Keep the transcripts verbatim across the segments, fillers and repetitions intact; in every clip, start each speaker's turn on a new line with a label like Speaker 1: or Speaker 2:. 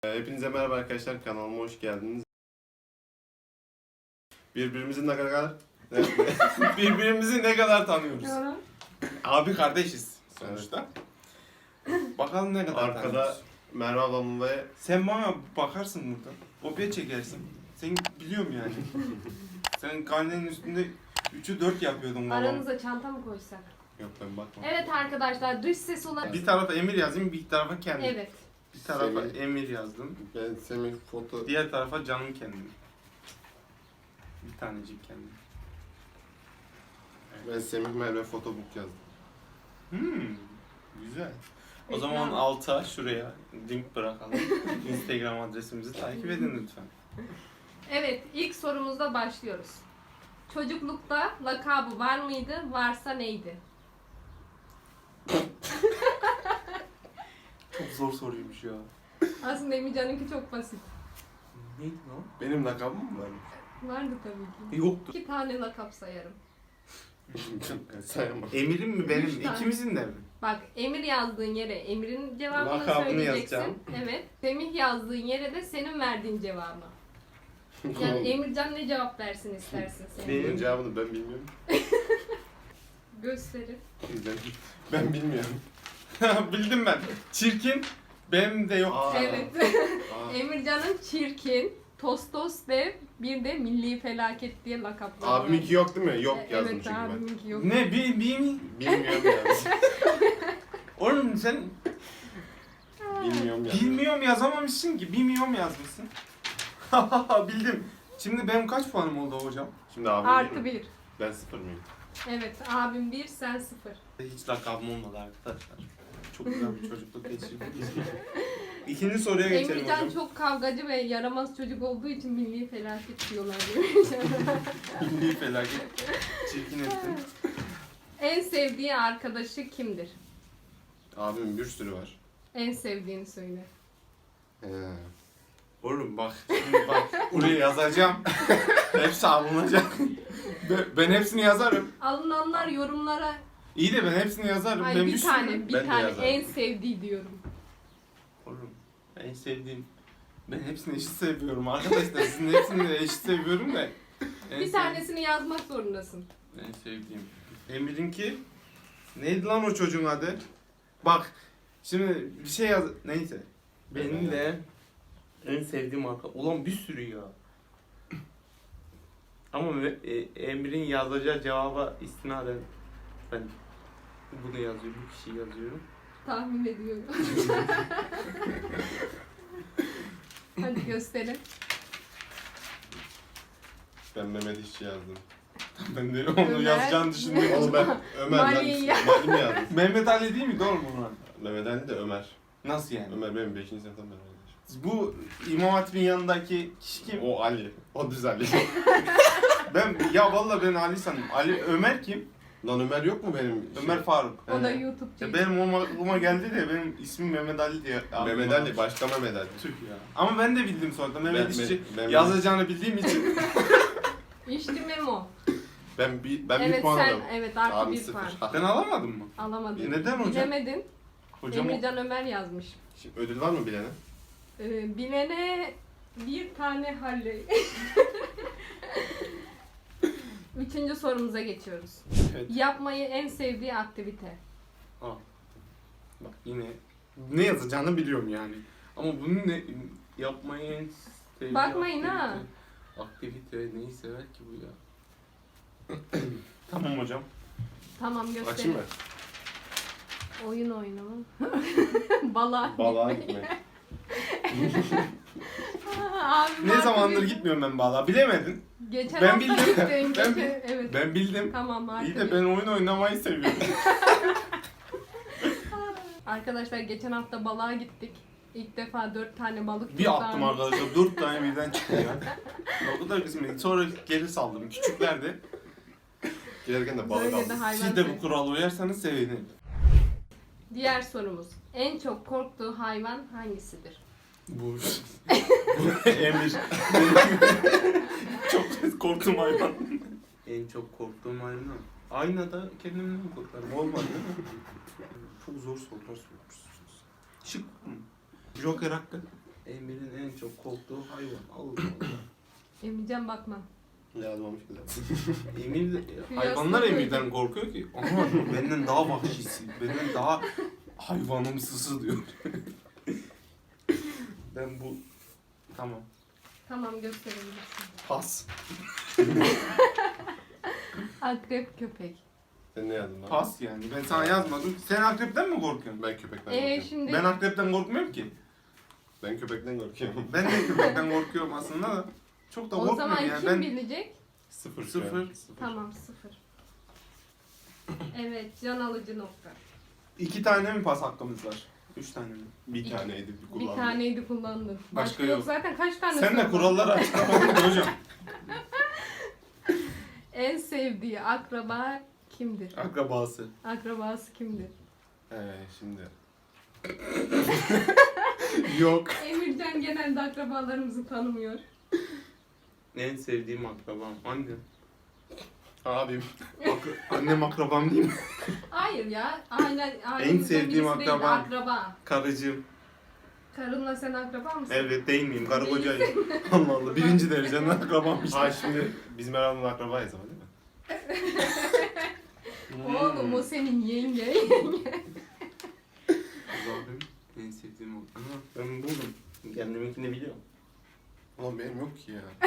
Speaker 1: Hepinize merhaba arkadaşlar, kanalıma hoş geldiniz. Birbirimizi ne kadar
Speaker 2: Birbirimizi ne kadar tanıyoruz? Abi kardeşiz sonuçta. Bakalım ne kadar
Speaker 1: arkada
Speaker 2: tanıyoruz.
Speaker 1: Merve ablam ve
Speaker 2: Sen bana bakarsın buradan. Kopya çekersin. Sen biliyorum yani. Sen karnenin üstünde üçü dört yapıyordun babam.
Speaker 3: Aranıza çanta mı koysak?
Speaker 1: yok ben bakmam.
Speaker 3: Evet arkadaşlar, dış ses olarak...
Speaker 2: Bir tarafa Emir yazayım, bir tarafa kendim.
Speaker 3: Evet.
Speaker 2: Bir tarafa
Speaker 1: Semih.
Speaker 2: Emir yazdım.
Speaker 1: Ben Semih foto
Speaker 2: Diğer tarafa canım kendim. Bir tanecik kendim.
Speaker 1: ben Semih Merve fotobook yazdım.
Speaker 2: Hmm, güzel. O
Speaker 3: Reklam.
Speaker 2: zaman alta şuraya link bırakalım. Instagram adresimizi takip edin lütfen.
Speaker 3: Evet, ilk sorumuzda başlıyoruz. Çocuklukta lakabı var mıydı? Varsa neydi?
Speaker 2: Çok zor soruymuş ya.
Speaker 3: Aslında Emircan'ınki çok basit.
Speaker 2: Neydi o?
Speaker 1: Benim lakabım mı var?
Speaker 3: Vardı tabii ki.
Speaker 2: Yoktu.
Speaker 3: İki tane lakap sayarım.
Speaker 1: Sayamam.
Speaker 2: Emir'in mi benim?
Speaker 3: Üç tane.
Speaker 2: İkimizin de mi?
Speaker 3: Bak, Emir yazdığın yere Emir'in cevabını
Speaker 2: Lakabını
Speaker 3: söyleyeceksin.
Speaker 2: yazacağım.
Speaker 3: Evet. Semih yazdığın yere de senin verdiğin cevabı. Yani Emircan ne cevap versin istersin sen?
Speaker 2: Benim-
Speaker 1: Bunun cevabını ben bilmiyorum.
Speaker 3: Gösterin.
Speaker 1: Ben, ben bilmiyorum.
Speaker 2: Bildim ben. Çirkin. Benim de yok.
Speaker 1: Aa.
Speaker 3: Evet.
Speaker 1: Aa.
Speaker 3: Emircan'ın çirkin, Tostos ve bir de Milli Felaket diye lakapları var.
Speaker 1: Abiminki yok değil mi? Yok
Speaker 3: E,
Speaker 1: yazdım
Speaker 3: evet,
Speaker 1: çünkü ben.
Speaker 3: abiminki yok.
Speaker 2: Ne? Bir, bir mi?
Speaker 1: Bilmiyorum yazdım.
Speaker 2: Oğlum sen
Speaker 1: Bilmiyorum yazdım.
Speaker 2: bilmiyorum yazamamışsın ki. Bilmiyorum yazmışsın. Bildim. Şimdi benim kaç puanım oldu hocam?
Speaker 1: Şimdi abim
Speaker 3: Artı
Speaker 1: değil mi?
Speaker 3: bir.
Speaker 1: Ben sıfır mıyım?
Speaker 3: Evet, abim bir, sen sıfır.
Speaker 2: Hiç lakabım olmadı arkadaşlar. Çok güzel bir çocukluk geçirdim. İkinci soruya geçelim
Speaker 3: Emircan
Speaker 2: hocam.
Speaker 3: çok kavgacı ve yaramaz çocuk olduğu için Milli Felaket diyorlar Emircan'a.
Speaker 2: Milli felaket. Çirkin ettin.
Speaker 3: En sevdiği arkadaşı kimdir?
Speaker 1: Abimin bir sürü var.
Speaker 3: En sevdiğini söyle.
Speaker 1: He.
Speaker 2: Oğlum bak, şimdi bak buraya yazacağım. Hepsi alınacak. Ben- Ben hepsini yazarım.
Speaker 3: Alınanlar yorumlara...
Speaker 2: İyi de ben hepsini yazarım.
Speaker 3: Ay
Speaker 2: ben
Speaker 3: bir
Speaker 2: bir
Speaker 3: tane,
Speaker 2: sürü-
Speaker 3: bir
Speaker 1: Ben de
Speaker 3: tane
Speaker 1: yazarım.
Speaker 3: en sevdiği diyorum.
Speaker 2: Oğlum en sevdiğim. Ben hepsini eşit seviyorum arkadaşlar. Sizin hepsini de eşit seviyorum da. En
Speaker 3: Bir
Speaker 2: sev-
Speaker 3: tanesini yazmak zorundasın.
Speaker 2: En sevdiğim. Emir'inki neydi lan o çocuğun adı? Bak şimdi bir şey yaz. Neyse. Benim de en sevdiğim marka. Ulan bir sürü ya. Ama e, Emir'in yazacağı cevaba istinaden ben bunu yazıyorum, bu kişiyi yazıyorum.
Speaker 3: Tahmin ediyorum. Hadi gösterin.
Speaker 1: Ben Mehmet İşçi yazdım.
Speaker 2: Ben de onu
Speaker 3: Ömer.
Speaker 2: yazacağını düşündüm.
Speaker 1: Oğlum ben Ömer lan.
Speaker 3: Mali'yi ya-
Speaker 1: Mali mi yazdım?
Speaker 2: Mehmet Ali değil mi? Doğru mu lan?
Speaker 1: Mehmet Ali de Ömer.
Speaker 2: Nasıl yani?
Speaker 1: Ömer benim beşinci sınıftan beri arkadaşım.
Speaker 2: Bu İmam Hatip'in yanındaki kişi kim?
Speaker 1: O Ali. O düz Ali.
Speaker 2: Ben ya vallahi ben Ali sandım. Ali Ömer kim?
Speaker 1: Lan Ömer yok mu benim?
Speaker 2: Ömer Faruk.
Speaker 3: O da
Speaker 2: He.
Speaker 3: YouTube'cu.
Speaker 2: Ya benim o aklıma geldi de benim ismim Mehmet Ali diye.
Speaker 1: Mehmet Ali, başka Mehmet Ali.
Speaker 2: Tüh ya. Ama ben de bildim sonra. Mehmet
Speaker 1: Ben-
Speaker 2: İşçi
Speaker 1: ben- ben-
Speaker 2: yazacağını bildiğim için.
Speaker 3: İşte Memo.
Speaker 1: Ben bir ben bir
Speaker 3: Evet
Speaker 1: puan
Speaker 3: sen,
Speaker 1: alıyorum.
Speaker 3: evet artı
Speaker 1: Abi
Speaker 3: bir
Speaker 1: sıfır.
Speaker 3: puan.
Speaker 2: Ben alamadım mı?
Speaker 3: Alamadın.
Speaker 2: Neden hocam?
Speaker 3: Bilemedin.
Speaker 2: Hocam o-
Speaker 3: Emircan Ömer yazmış.
Speaker 1: Şimdi ödül var mı bilene?
Speaker 3: Ee, bilene bir tane Halley. Üçüncü sorumuza geçiyoruz.
Speaker 2: Evet.
Speaker 3: Yapmayı en sevdiği aktivite.
Speaker 2: Aa. Bak yine ne yazacağını biliyorum yani. Ama bunu ne yapmayı en sevdiği
Speaker 3: Bakmayın ha.
Speaker 2: aktivite. Aktivite neyi sever ki bu ya? Tamam hocam.
Speaker 3: Tamam
Speaker 1: Açayım
Speaker 3: gösterin.
Speaker 1: mı?
Speaker 3: Oyun oynama. Balığa
Speaker 1: Balığa
Speaker 3: gitmek.
Speaker 1: gitmek.
Speaker 3: Abi,
Speaker 2: Ne
Speaker 3: artı
Speaker 2: zamandır
Speaker 3: bir-
Speaker 2: gitmiyorum ben balığa. Bilemedin.
Speaker 3: Geçen
Speaker 2: Ben
Speaker 3: hafta
Speaker 2: bildim.
Speaker 3: gittin.
Speaker 2: Ben
Speaker 3: geçen-
Speaker 2: bil-
Speaker 3: evet.
Speaker 2: Ben bildim.
Speaker 3: Tamam artı
Speaker 2: İyi de
Speaker 3: bir.
Speaker 2: ben oyun oynamayı seviyorum.
Speaker 3: Arkadaşlar geçen hafta balığa gittik. İlk defa dört tane balık
Speaker 2: Bir
Speaker 3: tuttu
Speaker 2: attım
Speaker 3: abi.
Speaker 2: arkadaşlar. Dört tane birden çıktı ya. O kadar kısmet. Sonra geri saldım. Küçüklerdi.
Speaker 1: Gelirken de balık
Speaker 3: Böyle de
Speaker 1: aldım.
Speaker 3: hayvan
Speaker 2: Siz de
Speaker 3: sev-
Speaker 2: bu kurala uyarsanız sevinirim.
Speaker 3: Diğer sorumuz. En çok korktuğu hayvan hangisidir?
Speaker 2: Bu, bu Emir. Çok korktuğum hayvan. En çok korktuğum hayvan. Aynada kendimden mi korkarım? Olmadı değil mi? Çok zor sorular sormuşsunuz. Şık mı? Joker hakkı. Emir'in en çok korktuğu hayvan. Allah Allah.
Speaker 3: Emircan bakma.
Speaker 1: Yazmamış bile.
Speaker 2: Emir,
Speaker 3: Kıyasla
Speaker 2: hayvanlar
Speaker 3: koydum.
Speaker 2: Emir'den korkuyor ki. Ama benden daha vahşisi, benden daha hayvanımsısı diyor. Ben bu... Tamam.
Speaker 3: Tamam gösterebilirsin.
Speaker 1: Pas.
Speaker 3: Akrep köpek.
Speaker 1: Sen ne yazdın lan?
Speaker 2: Pas yani. Ben sana yazmadım. Sen akrepten mi korkuyorsun?
Speaker 1: Ben köpekten
Speaker 3: Ee
Speaker 1: korkuyorum.
Speaker 3: şimdi
Speaker 2: Ben akrepten korkmuyorum ki.
Speaker 1: Ben köpekten korkuyorum.
Speaker 2: Ben de köpekten korkuyorum aslında da. Çok da
Speaker 3: o zaman
Speaker 2: korkmuyorum yani.
Speaker 3: kim
Speaker 2: Ben
Speaker 3: bilecek?
Speaker 1: Sıfır. şu
Speaker 2: Sıfır.
Speaker 1: an.
Speaker 3: Tamam sıfır. Evet can alıcı nokta.
Speaker 2: iki tane mi pas hakkımız var? Üç tane mi?
Speaker 1: Bir taneydi bir
Speaker 3: Bir
Speaker 1: kullandım.
Speaker 3: taneydi kullandın. Başka,
Speaker 2: Başka
Speaker 3: yok.
Speaker 2: yok.
Speaker 3: Zaten kaç tane
Speaker 2: Sen de
Speaker 3: soru var?
Speaker 2: kuralları açıklamadın hocam.
Speaker 3: En sevdiği akraba kimdir?
Speaker 2: Akrabası.
Speaker 3: Akrabası kimdir?
Speaker 1: Ee, şimdi.
Speaker 2: Yok.
Speaker 3: Emircan genelde akrabalarımızı tanımıyor.
Speaker 2: En sevdiğim akrabam. Annem.
Speaker 1: Abim.
Speaker 2: Ak- annem akrabam değil mi?
Speaker 3: Hayır ya. Aynen, ailemizden
Speaker 2: sevdiğim
Speaker 3: birisi değil,
Speaker 2: akrabam.
Speaker 3: akraba.
Speaker 2: Karıcığım.
Speaker 3: Karınla sen akraba mısın?
Speaker 2: Evet değil miyim? Karı kocayım. Allah Allah. Birinci dereceden akrabam işte.
Speaker 1: Ha şimdi bizim herhalde akrabayız ama değil mi?
Speaker 3: Oğlum o senin yenge.
Speaker 2: Abim en sevdiğim o. Aha ben buldum. Kendiminkini biliyorum.
Speaker 1: Ulan benim yok ki ya.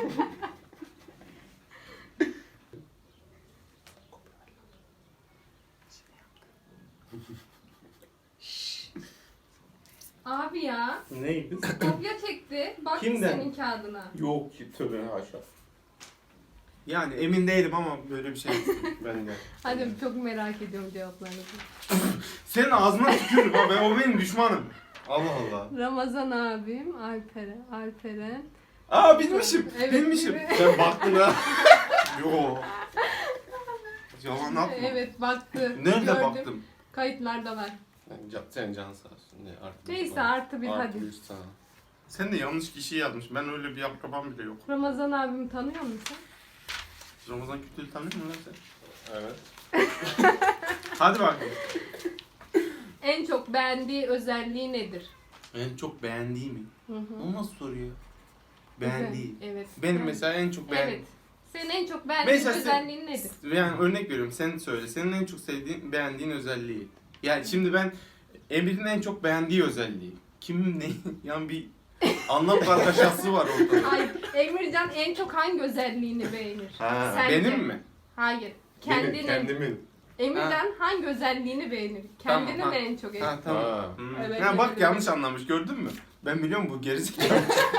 Speaker 3: Abi ya.
Speaker 2: Neydi?
Speaker 3: Kopya çekti. Bak
Speaker 2: Kimden?
Speaker 3: senin kağıdına.
Speaker 2: Yok ki tövbe haşa. Yani emin değilim ama böyle bir şey.
Speaker 1: Ben de.
Speaker 3: Hadi çok merak ediyorum cevaplarınızı.
Speaker 2: Senin ağzına tükürürüm ha. Ben, o benim düşmanım.
Speaker 1: Allah Allah.
Speaker 3: Ramazan abim, Alperen, Alperen.
Speaker 2: Aa bilmişim.
Speaker 3: Evet,
Speaker 2: bilmişim.
Speaker 3: evet.
Speaker 1: Sen baktın ha.
Speaker 2: Yo. Yalan atma.
Speaker 3: Evet baktı.
Speaker 2: Nerede
Speaker 3: Gördüm.
Speaker 2: baktım?
Speaker 3: Kayıtlarda var.
Speaker 1: Yani can, senin can sağ olsun. Ne, artı bir
Speaker 3: Neyse
Speaker 1: falan.
Speaker 3: artı bir
Speaker 1: Artı
Speaker 3: hadi.
Speaker 1: bir sana.
Speaker 2: Sen de yanlış kişiyi yazmış. Ben öyle bir akrabam bile yok.
Speaker 3: Ramazan abimi tanıyor musun?
Speaker 2: Ramazan Kütül'ü tanıyor musun lan sen?
Speaker 1: Evet.
Speaker 2: Hadi bakayım.
Speaker 3: En çok beğendiği özelliği nedir?
Speaker 2: En çok beğendiği mi?
Speaker 3: Hı hı.
Speaker 2: O nasıl soru ya? Beğendiği.
Speaker 3: Güzel, Evet.
Speaker 2: Benim
Speaker 3: Ben-
Speaker 2: mesela en çok beğendiğim.
Speaker 3: Evet. Senin en çok beğendiğin
Speaker 2: Mesela sen-
Speaker 3: özelliğin nedir?
Speaker 2: Yani örnek veriyorum sen söyle. Senin en çok sevdiğin, beğendiğin özelliği. Yani şimdi ben Emir'in en çok beğendiği özelliği. Kim ne? Yani bir anlam kargaşası var ortada.
Speaker 3: Ay, Emircan en çok hangi özelliğini beğenir?
Speaker 1: Ha,
Speaker 3: Sence?
Speaker 2: Benim mi?
Speaker 3: Hayır.
Speaker 1: Benim,
Speaker 3: Kendinin.
Speaker 1: kendimin.
Speaker 3: Emircan hangi özelliğini beğenir? Kendini
Speaker 2: Tamam,
Speaker 3: mi
Speaker 2: ha.
Speaker 3: en çok
Speaker 2: Ha tamam.
Speaker 1: Ha.
Speaker 2: Hmm.
Speaker 3: Evet,
Speaker 2: ha, bak
Speaker 3: evet,
Speaker 2: yanlış
Speaker 3: evet.
Speaker 2: anlamış gördün mü? Ben biliyorum bu gerizekalı.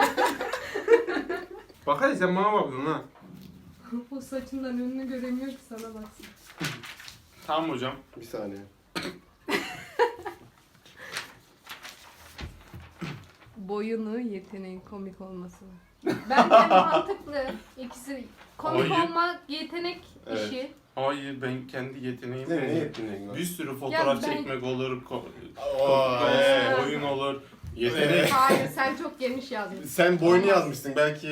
Speaker 2: Bak hadi sen bana bakıyorsun ha.
Speaker 3: O saçından önünü göremiyor ki sana baksın.
Speaker 2: Tamam hocam.
Speaker 1: Bir saniye.
Speaker 3: Boyunu, yeteneğin komik olması. Bence mantıklı. İkisi komik
Speaker 2: Hayır.
Speaker 3: olmak yetenek
Speaker 1: Evet.
Speaker 3: işi.
Speaker 2: Hayır ben kendi yeteneğimi
Speaker 1: Ne, ne yeteneğin var?
Speaker 2: bir sürü fotoğraf
Speaker 3: Ya ben-
Speaker 2: çekmek olur, ko-
Speaker 1: Oo,
Speaker 2: ko-
Speaker 1: ee.
Speaker 2: oyun olur.
Speaker 1: Yetenek.
Speaker 3: Hayır sen çok geniş yazmışsın.
Speaker 1: Sen boynu yazmışsın belki.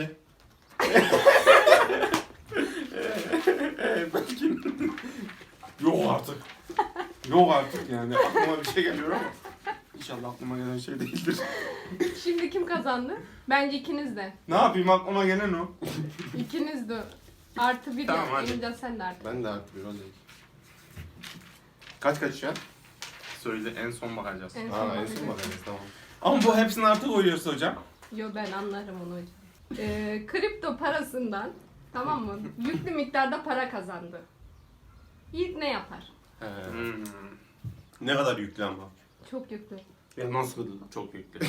Speaker 2: Ee, belki yok artık. Yok artık yani aklıma bir şey geliyor ama İnşallah aklıma gelen şey değildir.
Speaker 3: Şimdi kim kazandı? Bence ikiniz de.
Speaker 2: Ne yapayım aklıma gelen o.
Speaker 3: İkiniz de. Artı bir
Speaker 2: Tamam,
Speaker 3: yap.
Speaker 2: hadi.
Speaker 3: Emircan sen de artı.
Speaker 1: Ben de artık bir olayım.
Speaker 2: Kaç kaç şu an? Söyle en son bakacağız.
Speaker 3: En son
Speaker 1: Ha en
Speaker 3: bakacağız.
Speaker 1: son bakarız tamam.
Speaker 2: Ama bu hepsini artı koyuyorsa hocam.
Speaker 3: Yo ben anlarım onu hocam. Ee, kripto parasından tamam mı? Yüklü miktarda para kazandı. İlk ne yapar?
Speaker 1: He.
Speaker 2: Hmm.
Speaker 1: Ne kadar yüklü ama.
Speaker 3: Çok yüklü.
Speaker 2: Ya nasıl çok yüklü.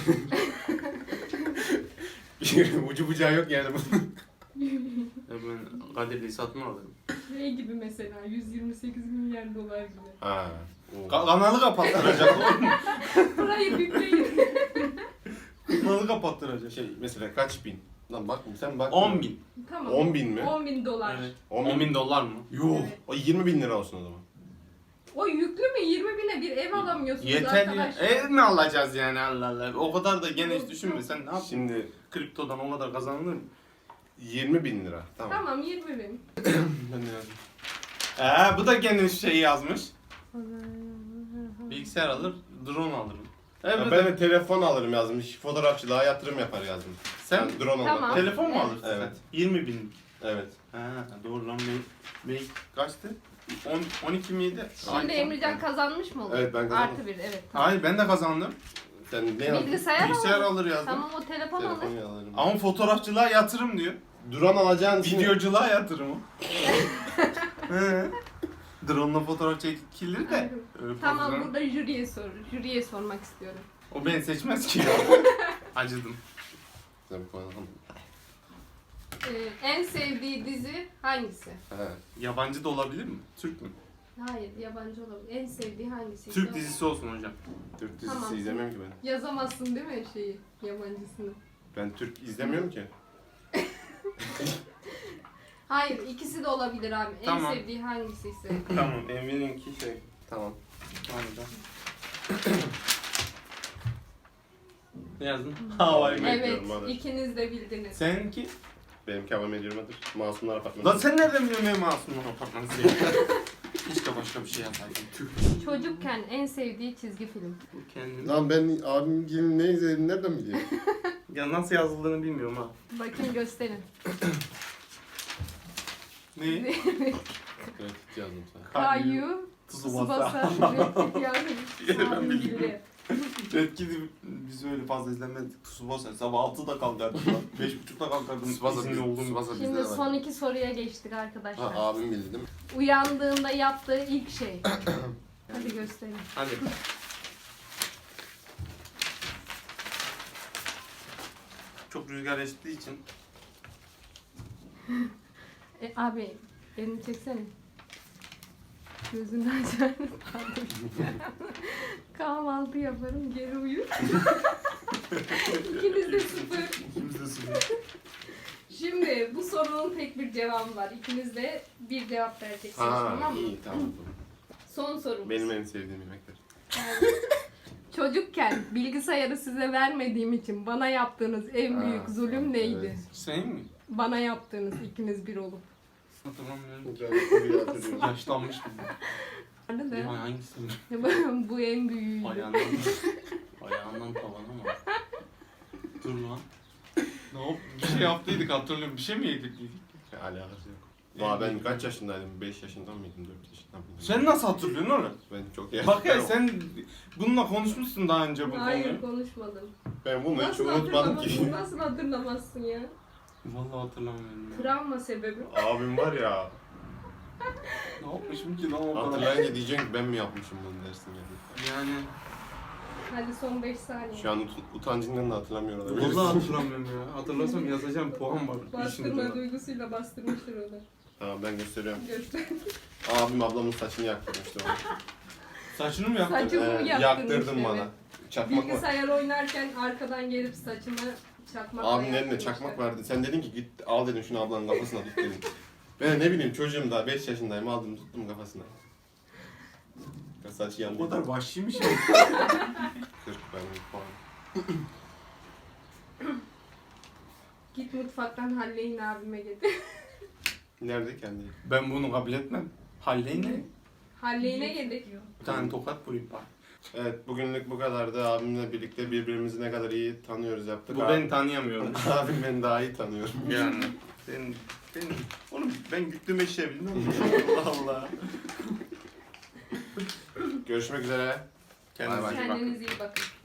Speaker 1: Ucu bucağı yok yani bunun.
Speaker 2: Ya ben Kadirli'yi satın alırım.
Speaker 3: Ne gibi mesela? yüz yirmi sekiz milyar dolar gibi.
Speaker 1: Ha.
Speaker 2: Ka- kanalı kapattıracak oğlum.
Speaker 3: Burayı bükleyin.
Speaker 2: Kanalı kapattıracak.
Speaker 1: Şey mesela kaç bin? Lan bak sen bak.
Speaker 2: on bin.
Speaker 3: Tamam.
Speaker 1: on bin mi?
Speaker 3: on bin dolar.
Speaker 2: Evet.
Speaker 1: on
Speaker 2: on
Speaker 1: bin.
Speaker 2: bin dolar mı?
Speaker 1: Yuh.
Speaker 3: Evet.
Speaker 1: O yirmi bin lira olsun o zaman.
Speaker 3: O yüklü mü? yirmi bine bir ev alamıyorsunuz
Speaker 2: Yeter ya.
Speaker 3: arkadaşlar.
Speaker 2: Ev mi alacağız yani Allah Allah. O kadar da geniş düşünme sen ne yapıyorsun?
Speaker 1: Şimdi
Speaker 2: Kriptodan o kadar kazanılır mı?
Speaker 1: yirmi bin lira. Tamam.
Speaker 3: Tamam yirmi bin.
Speaker 1: Ben de yazdım.
Speaker 2: Ee, bu da geniş şeyi yazmış. Bilgisayar alır, drone alırım. Evet.
Speaker 1: Ya ben de telefon alırım yazdım. İş- Fotoğrafçılığa yatırım yapar yazdım.
Speaker 2: Sen
Speaker 1: Ben drone
Speaker 3: Tamam.
Speaker 1: olmak.
Speaker 2: telefon mu
Speaker 3: Evet.
Speaker 2: alırsın
Speaker 1: Evet.
Speaker 2: sen? yirmi bin.
Speaker 1: Evet.
Speaker 2: Ha doğru lan ben, ben kaçtı? on, on iki miydi?
Speaker 3: Şimdi Emrecan kazanmış mı olur?
Speaker 1: Evet, ben kazandım.
Speaker 3: Artı bir, evet. Tamam.
Speaker 2: Hayır ben de kazandım.
Speaker 1: Sen ne yazdın?
Speaker 3: Bilgisayar,
Speaker 2: Bilgisayar
Speaker 3: alır.
Speaker 2: alır yazdım.
Speaker 3: Tamam, o telefon alır.
Speaker 1: Telefon alırım.
Speaker 2: Ama fotoğrafçılığa yatırım diyor.
Speaker 1: Drone alacağın için...
Speaker 2: Videoculuğa yatırım o. He. Drone'la fotoğraf çekilir de. Öyle
Speaker 3: Tamam,
Speaker 2: fazla-
Speaker 3: burada jüriye sor. Jüriye sormak istiyorum.
Speaker 2: O beni seçmez ki. Acıdım.
Speaker 1: Sen koyalım.
Speaker 3: Ee, en sevdiği dizi hangisi?
Speaker 1: He.
Speaker 2: Yabancı da olabilir mi? Türk mü?
Speaker 3: Hayır, yabancı olabilir. En sevdiği hangisi?
Speaker 2: Türk dizisi olsun hocam.
Speaker 1: Türk dizisi
Speaker 3: Tamam.
Speaker 1: izlemiyorum ki ben.
Speaker 3: Yazamazsın değil mi şeyi, yabancısını?
Speaker 1: Ben Türk izlemiyorum ki.
Speaker 3: Hayır, ikisi de olabilir abi. En
Speaker 2: Tamam.
Speaker 3: sevdiği hangisi ise.
Speaker 2: Tamam Emre'ninki şey.
Speaker 1: Tamam.
Speaker 2: Anladım. Ne yazdın? Havai
Speaker 1: Evet.
Speaker 2: evet.
Speaker 3: Evet,
Speaker 1: Bekliyorum, hadi.
Speaker 3: ikiniz de bildiniz.
Speaker 2: Seninki?
Speaker 1: Benimki hava medyumadır. Masumlar apartmanı.
Speaker 2: Lan sen nereden biliyorsun benim masumluğum apartmanı diye? Keşke başka bir şey yapsaydım. Tüh.
Speaker 3: Çocukken en sevdiği çizgi film.
Speaker 2: Bu kendini...
Speaker 1: Lan ben abim gibi ne izledim nereden bileyim?
Speaker 2: Ya nasıl yazıldığını bilmiyorum ha.
Speaker 3: Bakın gösterin.
Speaker 2: Ne?
Speaker 1: Evet yazdım sana.
Speaker 3: Kayu,
Speaker 2: Tsubasa.
Speaker 3: Tsubasa, yani
Speaker 2: Ben bilmiyorum. Red Kid'i biz öyle fazla izlemedik. Tsubasa sabah altıda kalkardım lan. beş buçukta kalkardım.
Speaker 1: Tsubasa
Speaker 2: izinli
Speaker 1: biz-
Speaker 2: olduğum.
Speaker 1: Tsubasa bizde
Speaker 3: Şimdi
Speaker 1: de var.
Speaker 3: son iki soruya geçtik arkadaşlar.
Speaker 1: Ha abim bildi değil mi?
Speaker 3: Uyandığında yaptığı ilk şey. Hadi gösterin.
Speaker 2: Hadi. Çok rüzgar estiği için.
Speaker 3: E, abi elini çeksene. Gözünü açar. Kahvaltı yaparım, geri uyur. İkiniz de sıfır.
Speaker 2: İkimiz de sıfır.
Speaker 3: Şimdi bu sorunun tek bir cevabı var. İkiniz de bir cevap vereceksiniz,
Speaker 1: Ha
Speaker 3: tamam mı?
Speaker 1: iyi tamam.
Speaker 3: Son sorumuz.
Speaker 1: Benim en sevdiğim yemekler.
Speaker 3: Yani çocukken bilgisayarı size vermediğim için bana yaptığınız en
Speaker 1: Ha,
Speaker 3: büyük zulüm neydi?
Speaker 1: evet.
Speaker 2: Sen mi?
Speaker 3: Bana yaptığınız ikiniz bir olup.
Speaker 2: Hatırlamıyorum.
Speaker 1: Ben soruyu hatırlıyorum.
Speaker 2: Yaşlanmıştım.
Speaker 3: Vardı
Speaker 2: Ya
Speaker 3: da.
Speaker 2: hangisi?
Speaker 3: Bu en büyüğüydü.
Speaker 2: Ayağından, ayağından tavana mı? Dur lan. Ne yap? Bir şey yaptıydık hatırlıyorum. Bir şey mi yedirtiydik?
Speaker 1: Alakası yok. Valla ben kaç yaşındaydım? beş yaşında mıydım? dört yaşında mıydım?
Speaker 2: Sen nasıl hatırlıyorsun oğlum?
Speaker 1: Ben çok iyi
Speaker 2: Bak ya
Speaker 1: hatırlıyorum.
Speaker 2: sen bununla konuşmuşsun daha önce bu
Speaker 3: Hayır,
Speaker 2: konuyu.
Speaker 3: konuşmadım.
Speaker 1: Ben bunu hiç
Speaker 3: Nasıl
Speaker 1: unutmadım
Speaker 3: hatırlamazsın?
Speaker 1: ki.
Speaker 3: Nasıl hatırlamazsın ya?
Speaker 2: Vallahi hatırlamıyorum. ya.
Speaker 3: Travma sebebi.
Speaker 1: Abim var ya.
Speaker 2: Ne yapmışım ki lan o kadar?
Speaker 1: Hatırlayınca diyeceksin ki ben mi yapmışım bunu dersin yani.
Speaker 2: Yani
Speaker 3: Hadi son beş saniye.
Speaker 1: Şu an ut- utancından da hatırlamıyor olabilirsin.
Speaker 2: vallahi hatırlamıyorum ya. Hatırlasam yazacağım puan var.
Speaker 3: Bastırma
Speaker 2: İşin
Speaker 3: duygusuyla bastırmıştır onu.
Speaker 1: Tamam ben gösteriyorum.
Speaker 3: Göster.
Speaker 1: Abim ablamın saçını yaktırmıştı bana.
Speaker 2: Saçını mı yaptın?
Speaker 3: Saçımı
Speaker 1: Ee,
Speaker 3: yaktırmış,
Speaker 1: yaktırdın
Speaker 3: evet.
Speaker 1: bana. Çakmak var.
Speaker 3: Bilgisayar oynarken arkadan gelip saçımı çakmakla
Speaker 1: Abinin elinde
Speaker 3: yaktırmıştı.
Speaker 1: çakmak vardı. Sen dedin ki git al dedim şunu ablanın kafasına tut dedin. Ben ne bileyim çocuğum daha beş yaşındayım aldım tuttum kafasına. Saçı yandı.
Speaker 2: O kadar vahşiymiş ya.
Speaker 1: kırk benim puan.
Speaker 3: Git mutfaktan Halley'in abime getir.
Speaker 1: Nerede kendi?
Speaker 2: Ben bunu kabul etmem. Halleyin ne?
Speaker 3: Halley'ine getir.
Speaker 2: Bir tane tokat vurayım bari.
Speaker 1: Evet bugünlük bu kadardı. Abimle birlikte birbirimizi ne kadar iyi tanıyoruz yaptık.
Speaker 2: Bu beni tanıyamıyorum.
Speaker 1: Abim beni daha iyi tanıyorum.
Speaker 2: Yani. Ben, ben, oğlum ben güttüm eşeğe bilmem mi? Allah Allah.
Speaker 1: Görüşmek üzere.
Speaker 2: Kendinize
Speaker 1: Bay bay.
Speaker 2: iyi bakın.
Speaker 3: Kendinize iyi bakın.